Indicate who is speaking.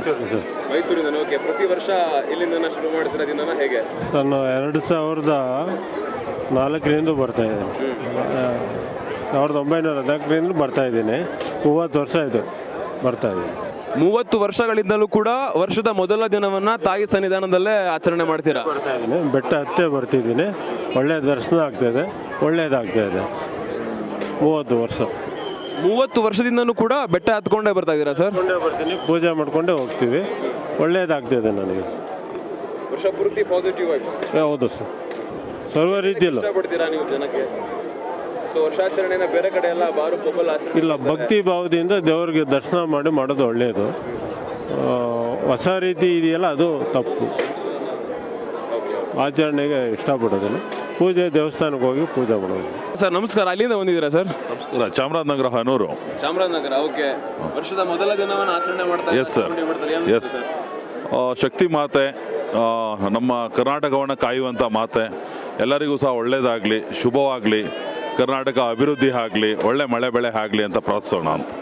Speaker 1: Raichur sir.
Speaker 2: ಮೈಸೂರಿಂದ. Okay, ಪ್ರತಿ ವರ್ಷ ಇಲ್ಲಿಂದ ಶುರು ಮಾಡ್ತೀರಾ ದಿನನ ಹೇಗೆ?
Speaker 1: ಸರ್ ನಾವು 2004ರಿಂದ ಬರ್ತಾ ಇದ್ದೀನಿ. 1914ರಿಂದ ಬರ್ತಾ ಇದ್ದೀನಿ. 30 ವರ್ಷ ಆಯಿತು ಬರ್ತಾ ಇದ್ದೀನಿ.
Speaker 2: 30 ವರ್ಷಗಳಿಂದಲೂ ಕೂಡ ವರ್ಷದ ಮೊದಲ ದಿನವನ್ನ ತಾಯಿ ಸನ್ನಿಧಾನದಲ್ಲೇ ಆಚರಣೆ ಮಾಡ್ತೀರಾ?
Speaker 1: ಬರ್ತಾ ಇದ್ದೀನಿ, ಬೆಟ್ಟ ಹತ್ತೇ ಬರ್ತಿದ್ದೀನಿ. ಒಳ್ಳೆಯ ದರ್ಶನ ಆಗ್ತಾಯಿದೆ, ಒಳ್ಳೆಯದಾಗ್ತಾಯಿದೆ. 30 ವರ್ಷ.
Speaker 2: 30 ವರ್ಷದಿಂದನೂ ಕೂಡ ಬೆಟ್ಟ ಹತ್ಕೊಂಡೇ ಬರ್ತಾ ಇದ್ದೀರಾ ಸರ್?
Speaker 1: ಬರ್ತೀನಿ, ಪೂಜೆ ಮಾಡ್ಕೊಂಡೇ ಹೋಗ್ತೀವಿ. ಒಳ್ಳೆಯದಾಗ್ತಾಯಿದೆ ನನಗೆ.
Speaker 2: ವರ್ಷ ಪೂರ್ತಿ ಪಾಸಿಟಿವ್ ಆಗಿ.
Speaker 1: ಹೌದು ಸರ್, ಸರ್ವ ರೀತಿಯಲ್ಲೂ.
Speaker 2: ಇಷ್ಟಪಡ್ತೀರಾ ನೀವು ಜನಕ್ಕೆ? ಸೊ ವರ್ಷಾಚರಣೆನ ಬೇರೆ ಕಡೆ ಎಲ್ಲ ಬಾರು ಪೊಬ್ಬಲ್ ಆಚರಣೆ
Speaker 1: ಇಲ್ಲ, ಭಕ್ತಿ ಭಾವದಿಂದ ದೇವರಿಗೆ ದರ್ಶನ ಮಾಡೋದು ಒಳ್ಳೆಯದು. ಹೊಸ ರೀತಿ ಇದೆಯಲ್ಲ ಅದು ತಪ್ಪು. ಆಚರಣೆಗೆ ಇಷ್ಟಪಡೋದಿಲ್ಲ. ಪೂಜೆ ದೇವಸ್ಥಾನಕ್ಕೆ ಹೋಗಿ ಪೂಜೆ ಮಾಡೋದು.
Speaker 2: ಸರ್ ನಮಸ್ಕಾರ, ಅಲ್ಲಿಂದ ಬಂದಿದ್ದೀರಾ ಸರ್?
Speaker 3: ನಮಸ್ಕಾರ, ಚಾಮರಾಜನಗರ ಹನೂರು.
Speaker 2: ಚಾಮರಾಜನಗರ. ಓಕೆ, ವರ್ಷದ ಮೊದಲ ದಿನವನ್ನು ಆಚರಣೆ ಮಾಡ್ತಾರೆ.
Speaker 3: Yes sir, S. ಶಕ್ತಿ ಮಾತೆ, ನಮ್ಮ ಕರ್ನಾಟಕವನ್ನು ಕಾಯುವಂಥ ಮಾತೆ, ಎಲ್ಲರಿಗೂ ಸಹ ಒಳ್ಳೆಯದಾಗಲಿ, ಶುಭವಾಗಲಿ, ಕರ್ನಾಟಕ ಅಭಿವೃದ್ಧಿ ಆಗಲಿ, ಒಳ್ಳೆ ಮಳೆ ಬೆಳೆ ಆಗಲಿ ಅಂತ ಪ್ರಾರ್ಥಿಸೋಣ ಅಂತ.